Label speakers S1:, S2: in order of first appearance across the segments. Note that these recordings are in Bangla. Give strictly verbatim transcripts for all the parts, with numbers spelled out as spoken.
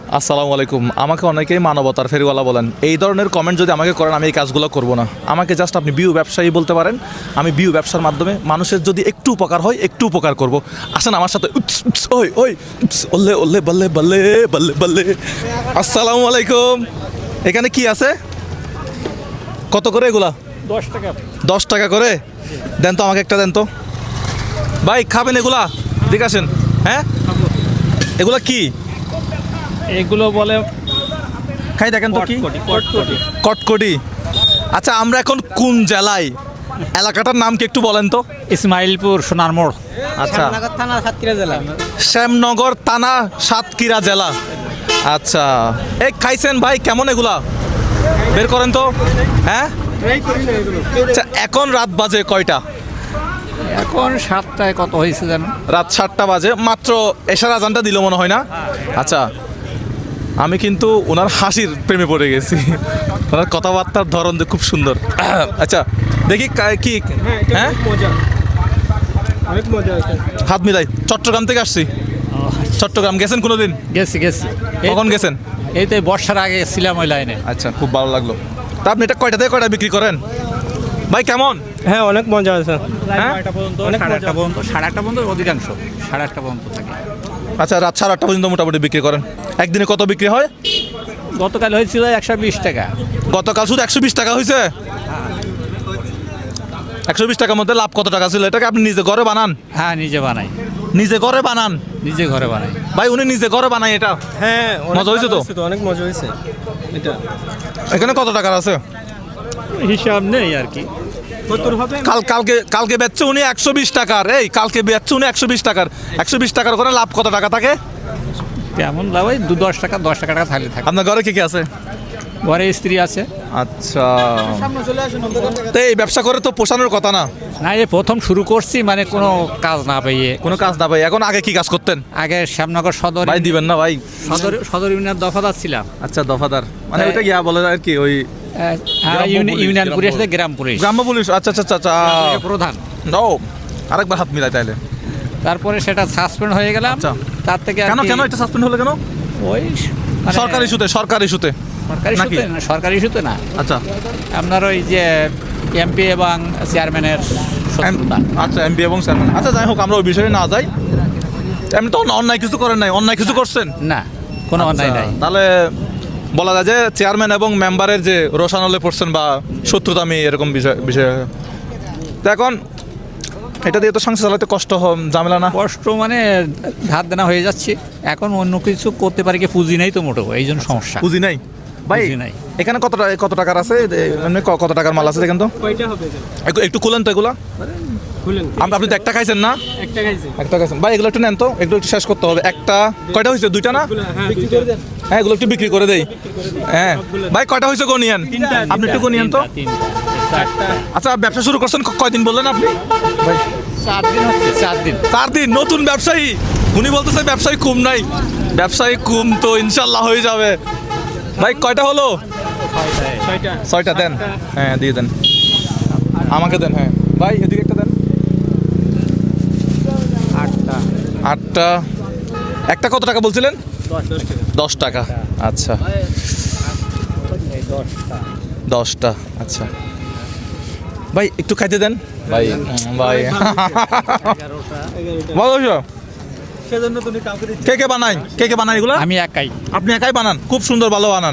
S1: আসসালামু আলাইকুম। আমাকে অনেকেই মানবতার ফেরিওয়ালা বলেন। এই ধরনের কমেন্ট যদি আমাকে করেন আমি এই কাজগুলো করব না। আমাকে জাস্ট আপনি বিউ ব্যবসায়ী বলতে পারেন। আমি বিউ ব্যবসার মাধ্যমে মানুষের যদি একটু উপকার হয় একটু উপকার করব। আসেন আমার সাথে। উৎস, উৎস, ওই ওই উৎস, ওল্লে ওল্লে বল্লে বল্লে বল্লে বল্লে। আসসালামু আলাইকুম। এখানে কি আছে? কত করে এগুলা?
S2: দশ টাকা।
S1: দশ টাকা করে দেন তো, আমাকে একটা দেন তো ভাই। খাবেন এগুলা? ঠিক আছেন। হ্যাঁ, এগুলা কি?
S2: এগুলো বলে
S1: খাই দেখেন তো কি?
S2: কটকটি।
S1: কটকটি। আচ্ছা, আমরা এখন কোন জেলায়? এলাকাটার নাম কি একটু বলেন তো?
S2: ইসমাইলপুর সোনার মোড়।
S1: আচ্ছা,
S2: থানা সাতক্ষীরা জেলা।
S1: শ্যামনগর থানা সাতক্ষীরা জেলা। আচ্ছা, এই খাইছেন ভাই? কেমন এগুলা? বের করেন তো। হ্যাঁ, আচ্ছা, এখন রাত বাজে কয়টা?
S2: এখন সাতটায় কত হয়েছে জানো?
S1: রাত সাতটা বাজে। মাত্র এশার আজানটা দিল মনে হয় না? আচ্ছা, আমি কিন্তু ওনার হাসির প্রেমে পড়ে গেছি। ওনার কথাবার্তার ধরন যে খুব সুন্দর। আচ্ছা, দেখি কা- কি হ্যাঁ
S3: অনেক মজা আছে।
S1: হাত মিলাই। চট্টগ্রাম থেকে আসছি। চট্টগ্রাম গেছেন কোনোদিন?
S2: গেছি গেছি। এই-
S1: কখন গেছেন?
S2: এই তো এই বর্ষার আগে ছিলাম ওই লাইনে।
S1: আচ্ছা, খুব ভালো লাগলো। তা আপনি এটা কয়টা থেকে কয়টা বিক্রি করেন ভাই? কেমন?
S3: হ্যাঁ, অনেক মজা আছে।
S1: হ্যাঁ,
S2: নয়টা পর্যন্ত,
S3: অনেক
S2: সাড়ে
S3: মজা।
S2: আটটা পর্যন্ত, সাড়ে আটটা পর্যন্ত অধিকাংশ সাড়ে আটটা পর্যন্ত থাকে।
S1: আচ্ছা, রাত সাড়ে আটটা পর্যন্ত মোটামুটি বিক্রি করেন। একদিনে কত বিক্রি হয়?
S2: গতকাল হয়েছিল একশো বিশ টাকা।
S1: গতকাল শুধু একশো বিশ টাকা হয়েছে? একশো বিশ টাকার মধ্যে লাভ কত টাকা ছিল? এটাকে আপনি নিজে ঘরে বানান?
S2: হ্যাঁ, নিজে বানাই।
S1: নিজে ঘরে বানান?
S2: নিজে ঘরে বানাই।
S1: ভাই উনি নিজে ঘরে বানায় এটা?
S3: হ্যাঁ, অনেক
S1: মজা হয়েছে তো?
S3: ভালো অনেক মজা হয়েছে এটা।
S1: এখানে কত টাকার আছে?
S2: হিসাব নেই আর কি।
S3: কতর হবে?
S1: কাল কালকে কালকে বেচছে উনি একশো বিশ টাকার। এই কালকে বেচছে উনি একশো বিশ টাকার। একশো বিশ টাকার করে লাভ কত টাকা থাকে?
S2: কেমন লাভ? ওই দু দশ টাকা দশ টাকা টাকা থাকলে থাকে।
S1: আপনার ঘরে কি কি আছে?
S2: ঘরে স্ত্রী আছে।
S1: আচ্ছা, তো এই ব্যবসা করে তো পোষানোর কথা না?
S2: না, এই প্রথম শুরু করছি, মানে কোনো কাজ না পেয়ে।
S1: কোনো কাজ না ভাই। এখন আগে কি কাজ করতেন?
S2: আগে শ্যামনগর সদর
S1: ভাই দিবেন না ভাই?
S2: সদর সদর ইউনিয়ন দফাদার ছিলাম।
S1: আচ্ছা, দফাদার মানে
S2: হ্যাঁ।
S1: ওইটা গিয়া বলে আর কি ওই
S2: হ্যাঁ,
S1: গ্রাম্য
S2: ইউনি-
S1: পুলিশ,
S2: ইউনিয়ন
S1: গ্রাম্য
S2: পুলিশ থেকে গ্রাম পুলিশ।
S1: গ্রাম্য পুলিশ। আচ্ছা আচ্ছা আচ্ছা আচ্ছা।
S2: প্রধান।
S1: ও, আরেকবার হাত মিলাই তাইলে।
S2: তারপরে সেটা সাসপেন্ড হয়ে গেলাম।
S1: আচ্ছা।
S2: তার থেকে আর
S1: কেন
S2: কি
S1: কেন এটা সাসপেন্ড হলো কেন?
S2: ওই মানে
S1: সরকারি ইস্যুতে? সরকারি ইস্যুতে
S2: সরকারি
S1: নাকি?
S2: ইস্যুতে না, সরকারি ইস্যুতে না।
S1: আচ্ছা
S2: আপনার ওই যে এমপি এবং চেয়ারম্যানের শত্রুতা।
S1: আচ্ছা, এমপি এবং চেয়ারম্যান। আচ্ছা, যাই হোক, আমরা ওই বিষয়ে না যাই। এমনি তো অন্য- অন্যায় কিছু করেন নাই? অন্যায় কিছু করছেন?
S2: না, কোনো অন্যায়
S1: আচ্ছা,
S2: নাই।
S1: তাহলে বলা যায় যে চেয়ারম্যান এবং মেম্বারের যে রোশানলে পড়ছেন বা শত্রুতা, আমি এরকম বিষয় বিষয় তো এখন এটা দিয়ে তো সংসার চালাতে কষ্ট হ- ঝামেলা না?
S2: কষ্ট মানে ধার দেনা হয়ে যাচ্ছে। এখন অন্য কিছু করতে পারি কি, পুঁজি নেই তো মোটেও, এই জন্য সমস্যা।
S1: পুঁজি নাই ভাই?
S2: পুঁজি নাই।
S1: এখানে কত টাকা কত টাকার আছে? এ- এমনি ক- কত টাকার মাল আছে দেখেন তো?
S3: কয়টা হবে এটা?
S1: একটু- একটু খুলেন তো এগুলা।
S3: খুলেন।
S1: আপ- আপনি তো একটা খাইছেন না?
S3: একটা খাইছি।
S1: একটা খাইছেন ভাই। এগুলো একটু নেন তো, এগুলো একটু শেষ করতে হবে। একটা কয়টা হয়েছে? দুইটা না?
S3: হ্যাঁ, বিক্রি করে দেন।
S1: হ্যাঁ, এগুলো একটু বিক্রি করে দেই। হ্যাঁ ভাই, কয়টা হয়েছে গো নিয়েন?
S3: তিনটা।
S1: আপনি একটু গো নিয়েন তো।
S2: তিনটা, তিনটা, চারটা।
S1: আচ্ছা, ব্যবসা শুরু করছেন ক- কয়দিন বললেন আপনি? ভাই
S2: চার দিন হচ্ছে, চার দিন।
S1: চার দিন। নতুন ব্যবসায়ী উনি বলতেছে ব্যবসায়ী কম নাই। ব্যবসায়ী কম তো ইনশাল্লাহ হয়ে যাবে। ভাই কয়টা হলো?
S3: ছয়টা।
S1: ছয়টা দেন। হ্যাঁ, দিয়ে দেন। আমাকে দেন। হ্যাঁ ভাই, এদিকে একটা দেন।
S2: আটটা।
S1: আটটা। একটা কত টাকা বলছিলেন?
S3: দশ দশ টাকা।
S1: দশ টাকা। আচ্ছা,
S2: এই দশটা।
S1: দশটা। আচ্ছা ভাই, একটু খাইতে দেন ভাই। উম, ভাই
S2: এগারোটা।
S3: এগারোটা।
S1: ভালো হয়েছে?
S3: সেজন্য তুমি কাউকে দিচ্ছ?
S1: কে কে বানাই? কে কে বানাই এগুলো?
S2: আমি একাই।
S1: আপনি একাই বানান? খুব সুন্দর, ভালো বানান।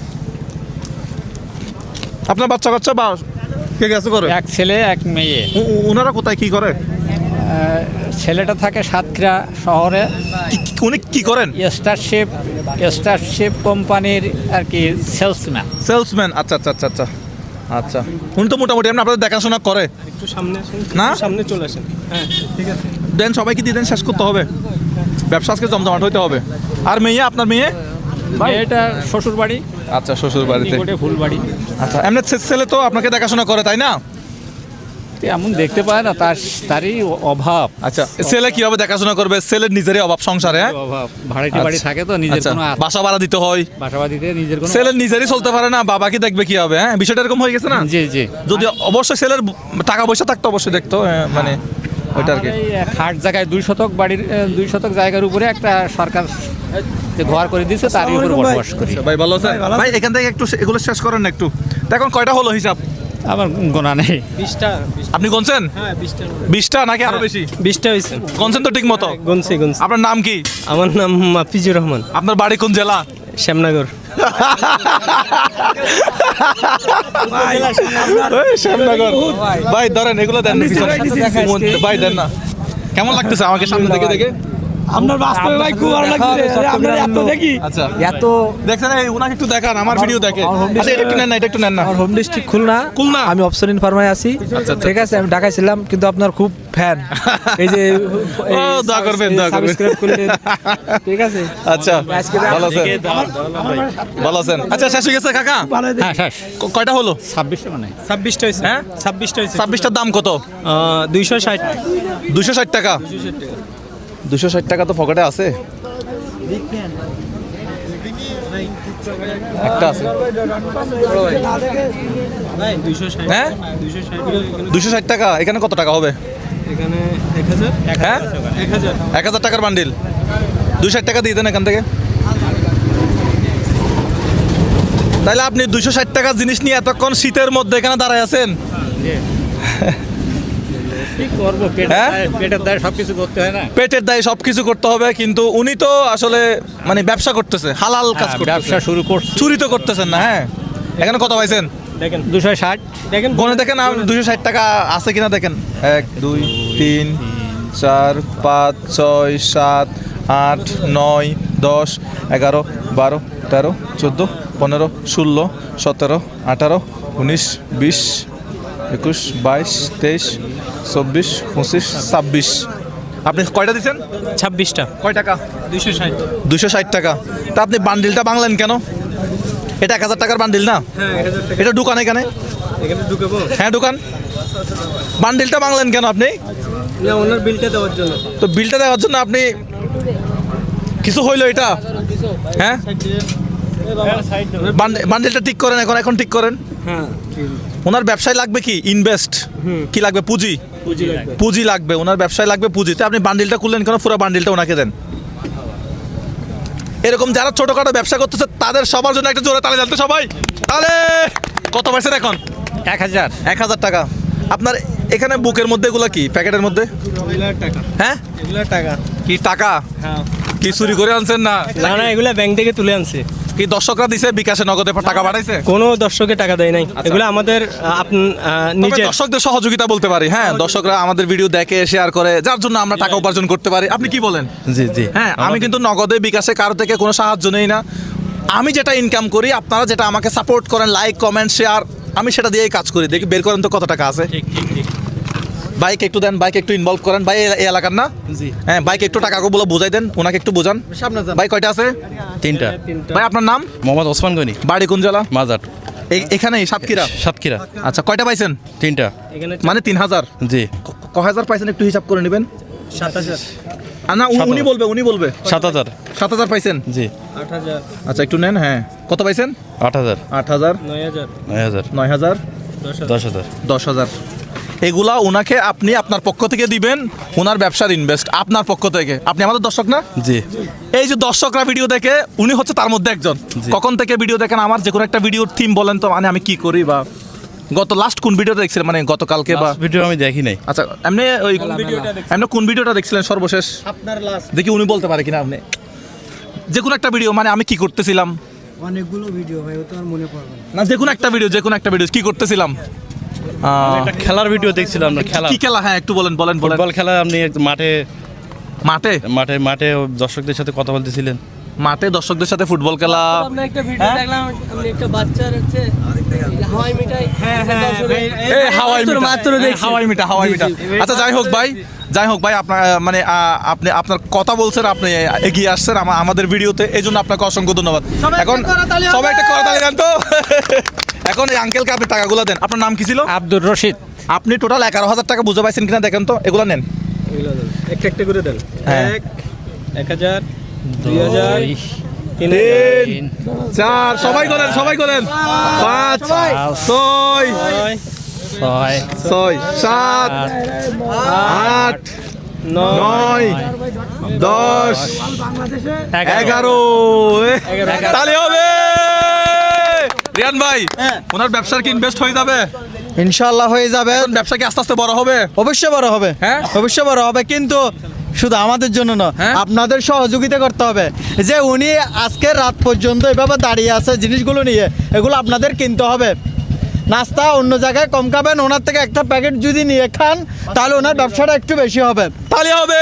S1: আপনার বাচ্চা কাচ্চা বা কে কে আছে করে?
S2: এক ছেলে এক মেয়ে।
S1: উ- উ- ওনারা কোথায় কি করে?
S2: আহ, ছেলেটা থাকে সাতক্ষীরা শহরে।
S1: কি- কি- উনি কি করেন?
S2: স্টারশিপ স্টারশিপ কোম্পানির আর কি সেলসম্যান।
S1: সেলসম্যান। আচ্ছা আচ্ছা আচ্ছা আচ্ছা আচ্ছা। উনি তো মোটামুটি এমনি আপনাদের দেখাশোনা করে
S3: একটু সামনে আসেন।
S1: না?
S3: একটু সামনে চলে আসেন। হ্যাঁ, ঠিক আছে।
S1: দেন, সবাইকে দিয়ে দেন, শেষ করতে হবে। ব্যবসা আজকে জমজমাট হইতে হবে। আর মেয়ে? আপনার মেয়ে?
S2: এটা শ্বশুর বাড়ি,
S1: আচ্ছা, শ্বশুর বাড়িতে।
S2: নিকটে ফুলবাড়ি।
S1: আচ্ছা, এমনি ছে- ছেলে তো আপনাকে দেখাশোনা করে, তাই না?
S2: এমন দেখতে পায় না, তার তারই অভাব।
S1: আচ্ছা, ছেলে কিভাবে দেখাশোনা করবে? ছেলের নিজেরই অভাব সংসারে। হ্যাঁ?
S2: অভাব, ভাড়াটি বাড়ি
S1: আচ্ছা।
S2: থাকে তো, নিজের
S1: আচ্ছা,
S2: কোনো
S1: বাসা ভাড়া দিতে হয়।
S2: বাসাবাড়িতে নিজের কোনো।
S1: ছেলের নিজেরই চলতে পারে না, বাবা কি দেখবে কি হবে? হ্যাঁ, বিষয়টা এরকম হয়ে গেছে না?
S2: জি জি।
S1: যদি অবশ্যই ছেলের টাকা পয়সা থাকতো অবশ্যই দেখতো। হ্যাঁ, মানে ওইটা আর কি
S2: আমার এই খাট জায়গায় দুই শতক বাড়ির আহ, দুই শতক জায়গার উপরে একটা সরকার যে ঘর করে দিয়েছে তারই উপরে বসবাস করি।
S1: ভাই ভালো আছেন ভাই এখান থেকে একটু সে- এগুলো শেষ করেন না একটু তো এখন কয়টা হলো হিসাব
S2: আমার গোনা নেই।
S3: বিশটা
S1: আপনি গুনছেন
S3: হ্যাঁ বিশটা
S1: বিশটা নাকি আরো বেশি
S3: বিশটা হয়েছে
S1: গুনছেন তো ঠিক মতো
S3: গুনছি গুনছি
S1: আপনার নাম কি
S3: আমার নাম মাফিজুর রহমান
S1: আপনার বাড়ি কোন জেলা
S3: শ্যামনগর
S1: ওই শ্যামনগর। ভাই ধরেন এগুলো দেন না পিছনে। ভাই দেন না কেমন লাগতেছে আমাকে সামনে থেকে দেখে
S4: আপনার বাস্তবে ভাই খুব ভালো লাগছে আপনার এত দেখি
S1: আচ্ছা
S4: এত
S1: দেখছেন এই উনাকে একটু দেখান আমার ভিডিও দেখে আচ্ছা এটা একটু নেন না এটা একটু নেন না
S4: আমার হোম ডিস্ট্রিক্ট খুলনা
S1: খুলনা?
S4: আমি অপশন ফার্মায় আছি
S1: আচ্ছা,
S4: ঠিক আছে আমি ঢাকায় ছিলাম কিন্তু আপনার খুব ফ্যান এই যে
S1: ও, দোয়া করবেন, দোয়া করবেন।
S4: সাবস্ক্রাইব করলেন ঠিক আছে
S1: আচ্ছা ভালো আছেন ভালো আছেন আচ্ছা শেষ হয়ে গেছে কাকা
S2: হ্যাঁ শেষ
S1: ক- কয়টা হলো
S2: ছাব্বিশটা মানে
S3: ছাব্বিশটা হয়েছে
S1: হ্যাঁ?
S3: ছাব্বিশটা হয়েছে
S1: ছাব্বিশটার দাম কত
S3: দুইশো ষাট
S1: দুশো ষাট টাকা দুশো ষাট টাকা তো পকেটে আছে একটা আছে
S3: দুইশো ষাট
S1: হ্যাঁ
S3: দুইশো ষাট
S1: দুশো ষাট টাকা এখানে কত টাকা হবে
S3: এখানে এক হাজার
S1: হ্যাঁ
S3: এক হাজার
S1: এক হাজার টাকার বান্ডিল দুশো ষাট টাকা দিয়ে দেন এখান থেকে তাহলে আপনি দুশো ষাট টাকার জিনিস নিয়ে এতক্ষণ শীতের মধ্যে এখানে দাঁড়ায় আছেন
S2: কি করবো পেটের
S1: হ্যাঁ?
S2: দায়ে- পেটের দায় সব কিছু করতে হয় না।
S1: পেটের দায়ে সব কিছু করতে হবে কিন্তু উনি তো আসলে মানে ব্যবসা করতেছে হালাল কাজ
S2: হ্যাঁ,
S1: করতেছে
S2: ব্যবসা শুরু করছি
S1: চুরি তো করতেছেন না হ্যাঁ এখানে কত পাইছেন
S3: দেখেন
S2: দুশো ষাট
S3: দেখেন
S1: গনে দেখেন দুশো ষাট টাকা আছে কিনা দেখেন এক দুই তিন চার পাঁচ ছয় সাত আট নয় দশ এগারো বারো তেরো চোদ্দো পনেরো ষোলো সতেরো আঠারো উনিশ বিশ একুশ বাইশ তেইশ চব্বিশ পঁচিশ ছাব্বিশ আপনি কয়টা দিচ্ছেন
S3: ছাব্বিশটা
S1: কয় টাকা
S3: দুইশো ষাট
S1: দুশো ষাট টাকা তা আপনি বান্ডিলটা বাংলেন কেন এটা এক হাজার টাকার বান্ডিল না
S3: হ্যাঁ এক হাজার টাকা
S1: এটা দোকান এখানে
S3: এখানে ঢুকাবো
S1: হ্যাঁ দোকান বান্ডিলটা বাংলেন কেন আপনি
S3: না ওনার বিলটা দেওয়ার জন্য
S1: তো বিলটা দেওয়ার জন্য আপনি কিছু হইলো এটা হ্যাঁ বান্ড- বান্ডিলটা ঠিক করেন এখন এখন ঠিক করেন
S3: হ্যাঁ
S1: ওনার ব্যবসায় লাগবে কি ইনভেস্ট কি লাগবে পুঁজি
S3: পুঁজি লাগবে
S1: পুঁজি লাগবে ওনার ব্যবসায় লাগবে পুঁজি তো আপনি বান্ডিলটা খুললেন কেন পুরো বান্ডিলটা ওনাকে দেন এরকম যারা ছোটখাটো ব্যবসা করতেছে তাদের সবার জন্য একটা জোরে তালে জানতে সবাই তাহলে কত পাইছেন এখন
S2: এক হাজার
S1: এক হাজার টাকা আপনার এখানে বুকের মধ্যে এগুলো কি প্যাকেটের মধ্যে
S3: এগুলার টাকা
S1: হ্যাঁ
S3: এগুলার টাকা
S1: কি টাকা
S3: হ্যাঁ
S1: কি চুরি করে আনছেন না
S3: না না এগুলা ব্যাংক থেকে তুলে আনছে
S1: কি দর্শকরা দিছে বিকাশে নগদে টাকা পাঠাইছে
S3: কোনো দর্শকে টাকা দেয় নাই এগুলো আমাদের আপ- আহ,
S1: তবে
S3: নিজের
S1: দর্শকদের সহযোগিতা বলতে পারি হ্যাঁ দর্শকরা আমাদের ভিডিও দেখে শেয়ার করে যার জন্য আমরা টাকা উপার্জন করতে পারি আপনি কি বলেন
S4: জি জি
S1: হ্যাঁ আমি কিন্তু নগদে বিকাশে কারো থেকে কোনো সাহায্য নেই না আমি যেটা ইনকাম করি আপনারা যেটা আমাকে সাপোর্ট করেন লাইক কমেন্ট শেয়ার আমি সেটা দিয়েই কাজ করি দেখি বের করেন তো কত টাকা আছে বাইক একটু দেন বাইক একটু ইনভলভ করেন ভাই এই এলাকার না
S4: জি
S1: হ্যাঁ বাইক একটু টাকাগুলো বলে বোঝাই দেন ওনাকে একটু বোঝান
S4: সামনে যান
S1: ভাই কয়টা আছে
S5: তিনটা
S1: ভাই আপনার নাম
S5: মোহাম্মদ ওসমান গনি
S1: বাড়ি কোন জেলা
S5: মাজার
S1: এই- এখানেই সাতক্ষীরা
S5: সাতক্ষীরা
S1: আচ্ছা কয়টা পাইছেন
S5: তিনটা
S3: এখানে
S1: মানে তিন হাজার
S5: জি
S1: ক- ক হাজার পাইছেন একটু হিসাব করে নেবেন
S3: সাত হাজার
S1: আর না উনি-
S5: সাত
S1: উনি
S5: হাজার।
S1: বলবে উনি বলবে
S5: সাত হাজার
S1: সাত হাজার পাইছেন
S5: জি
S3: আট হাজার
S1: আচ্ছা একটু নেন হ্যাঁ কত পাইছেন
S5: আট হাজার
S1: আট হাজার
S3: নয় হাজার
S5: নয় হাজার
S1: নয় হাজার
S3: দশ হাজার
S5: দশ হাজার
S1: দশ হাজার এগুলা ওনাকে আপনি আপনার পক্ষ থেকে দিবেন ওনার ব্যবসার ইনভেস্ট আপনার পক্ষ থেকে আপনি আমাদের দর্শক না
S5: জি
S1: এই যে দর্শকরা ভিডিও দেখে উনি হচ্ছে তার মধ্যে একজন
S5: জি।
S1: কখন থেকে ভিডিও দেখেন আমার যে কোনো একটা ভিডিওর থিম বলেন তো মানে আমি কি করি বা গত লাস্ট কোন ভিডিওটা দেখছিলেন মানে গতকালকে বা
S5: ভিডিও আমি দেখি নাই
S1: আচ্ছা এমনি ওই
S3: ভিডিওটা দেখছি।
S1: এমনি কোন ভিডিওটা দেখছিলেন সর্বশেষ
S3: আপনার লাস্ট
S1: দেখি উনি বলতে পারে কিনা আপনি যে কোনো একটা ভিডিও মানে আমি কি করতেছিলাম
S4: অনেকগুলো ভিডিও ভাই ও তো আর মনে পড়বে না
S1: না যে কোনো একটা ভিডিও যে কোনো একটা ভিডিও কি করতেছিলাম আহ,
S5: একটা খেলার ভিডিও দেখছিলাম না খেলা
S1: কি খেলা হ্যাঁ একটু বলেন বলেন বলেন
S5: ফুটবল খেলা আপনি মাঠে
S1: মাঠে
S5: মাঠে মাঠে দর্শকদের সাথে কথা বলতেছিলেন
S1: মাঠে দর্শকদের সাথে ফুটবল খেলা
S6: আপনার একটা ভিডিও দেখলাম আপনি একটা বাচ্চার হচ্ছে হাওয়াই মিঠাই
S1: এই হাওয়াই মিঠা
S6: মাত্র
S1: এই
S6: দেখছি।
S1: হাওয়াই মিঠা হাওয়াই মিঠা আচ্ছা যাই হোক ভাই যাই হোক ভাই আপনার আহ, মানে আহ, আপনি আপনার কথা বলছেন আপনি এগিয়ে আসছেন আমা- আমাদের ভিডিওতে এই জন্য আপনাকে অসংখ্য ধন্যবাদ এখন সবাই একটা করতালি দেন তো এখন এই আঙ্কেলকে আপনি টাকাগুলো দেন আপনার নাম কি ছিল
S2: আব্দুর রশিদ
S1: আপনি টোটাল এগারো হাজার টাকা বুঝে পাইছেন কিনা দেখেন তো এগুলো নেন
S3: এগুলো দেন একটা একটা করে দেন
S1: হ্যাঁ।
S3: এক এক হাজার দুই হাজার তিন
S1: তিন চার সবাই করেন সবাই করেন পাঁচ ছয়
S3: ছয়
S2: ছয়
S1: ছয় সাত আট নয় দশ এগারো তাহলে হবে রিয়ান ভাই ওনার ব্যবসার কি ইনভেস্ট হয়ে যাবে?
S7: ইনশাল্লাহ হয়ে যাবে।
S1: এখন ব্যবসা কি আস্তে আস্তে বড় হবে?
S7: অবশ্যই বড় হবে,
S1: হ্যাঁ?
S7: অবশ্যই বড় হবে, কিন্তু শুধু আমাদের জন্য না,
S1: হ্যাঁ?
S7: আপনাদের সহযোগিতা করতে হবে। যে উনি আজকে রাত পর্যন্ত এভাবে দাঁড়িয়ে আছে জিনিসগুলো নিয়ে, এগুলো আপনাদের কিনতে হবে। নাস্তা অন্য জায়গায় কম খাবেন, ওনার থেকে একটা প্যাকেট যদি নিয়ে খান তাহলে ওনার ব্যবসাটা একটু বেশি হবে।
S1: তাহলে হবে।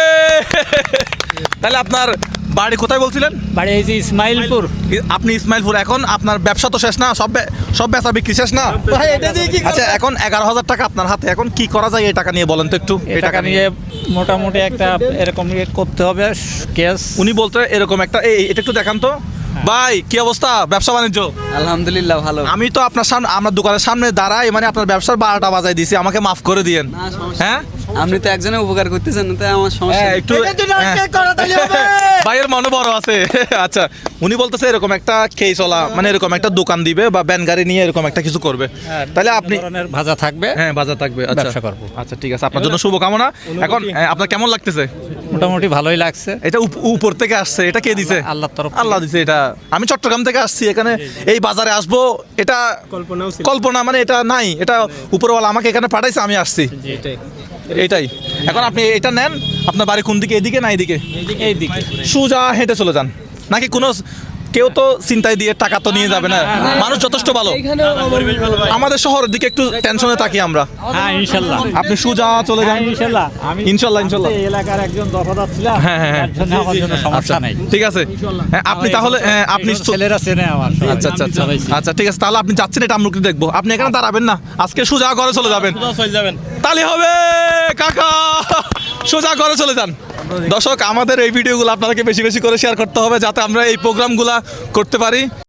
S1: তাহলে আপনার বাড়ি কোথায় বলছিলেন?
S2: বাড়ি এই যে ইসমাইলপুর।
S1: আপনি ইসমাইলপুর। এখন আপনার ব্যবসা তো শেষ না, সব বে- সব বেচা বিক্রি শেষ না?
S7: ভাই এটা দিয়ে কি
S1: আচ্ছা, এখন এগারো হাজার টাকা আপনার হাতে, এখন কি করা যায় এই টাকা নিয়ে বলেন তো একটু।
S2: এই টাকা নিয়ে মোটামুটি একটা এরকম ইয়ে করতে হবে কেস।
S1: উনি বলতে এরকম একটা এই এই- এটা একটু দেখান তো ভাই, কি অবস্থা ব্যবসা বাণিজ্য?
S6: আলহামদুলিল্লাহ ভালো।
S1: আমি তো আপনার সামনে, আমার দোকানের সামনে দাঁড়াই, মানে আপনার ব্যবসার বারোটা বাজায় দিছি, আমাকে মাফ করে দিয়েন। হ্যাঁ
S6: আপনি তো একজনের উপকার করতেছেন, তাই আমার সমস্যা
S1: হ্যাঁ,
S6: নেই।
S1: একটু
S7: এটা যদি আজকে
S1: হ্যাঁ।
S7: করে তাহলে হবে।
S1: ভাইয়ের মনে বড় আছে। আচ্ছা, উনি বলতেছে এরকম একটা খেয়ে চলা, মানে এরকম একটা দোকান দিবে বা ব্যান গাড়ি নিয়ে এরকম একটা কিছু করবে। তাহলে আপনি
S2: ধরনের ভাজা থাকবে,
S1: হ্যাঁ বাজার থাকবে। আচ্ছা
S2: ব্যবসা করবো।
S1: আচ্ছা ঠিক আছে, আপনার জন্য শুভকামনা। এখন হ্যাঁ, আপনার কেমন লাগতেছে?
S2: মোটামুটি ভালোই লাগছে।
S1: এটা উপ- উপর থেকে আসছে, এটা কে দিছে?
S2: আল্লাহর তরফ থেকে।
S1: আল্লাহ দিছে এটা। আমি চট্টগ্রাম থেকে আসছি, এখানে এই বাজারে আসবো এটা
S3: কল্পনাও ছিল
S1: কল্পনা, মানে এটা নাই, এটা উপরওয়ালা আমাকে এখানে পাঠাইছে, আমি আসছি
S3: এটাই।
S1: এটাই। এখন আপনি এটা নেন, আপনার বাড়ি কোন দিকে, এদিকে না এদিকে?
S2: এই দিকে
S1: সোজা হেঁটে চলে যান, নাকি কোনো কেউ তো চিন্তায় দিয়ে টাকা তো নিয়ে যাবে না, মানুষ যথেষ্ট ভালো। আমাদের শহরের দিকে একটু টেনশনে থাকি আমরা।
S2: হ্যাঁ ইনশাল্লাহ।
S1: আপনি সোজা চলে যান।
S2: ইনশাল্লাহ আমি
S1: ইনশাল্লাহ, ইনশাল্লাহ।
S2: এই এলাকার একজন দফাদার ছিলাম,
S1: হ্যাঁ, হ্যাঁ, হ্যাঁ।
S2: তার জন্য আমার জন্য সমস্যা নাই।
S1: ঠিক আছে, হ্যাঁ, আপনি তাহলে হ্যাঁ, আপনি
S2: এই ছেলেরা চেনে আমার।
S1: আচ্ছা আচ্ছা আচ্ছা আচ্ছা ঠিক আছে, তাহলে আপনি যাচ্ছেন, এটা আমরা একটু দেখবো। আপনি এখানে দাঁড়াবেন না, আজকে সোজা ঘরে চলে যাবেন।
S5: চলে যাবেন।
S1: তালি হবে কাকা, সোজা ঘরে চলে যান। দর্শক, আমাদের এই ভিডিওগুলো আপনাদেরকে বেশি বেশি করে শেয়ার করতে হবে, যাতে আমরা এই প্রোগ্রামগুলো করতে পারি।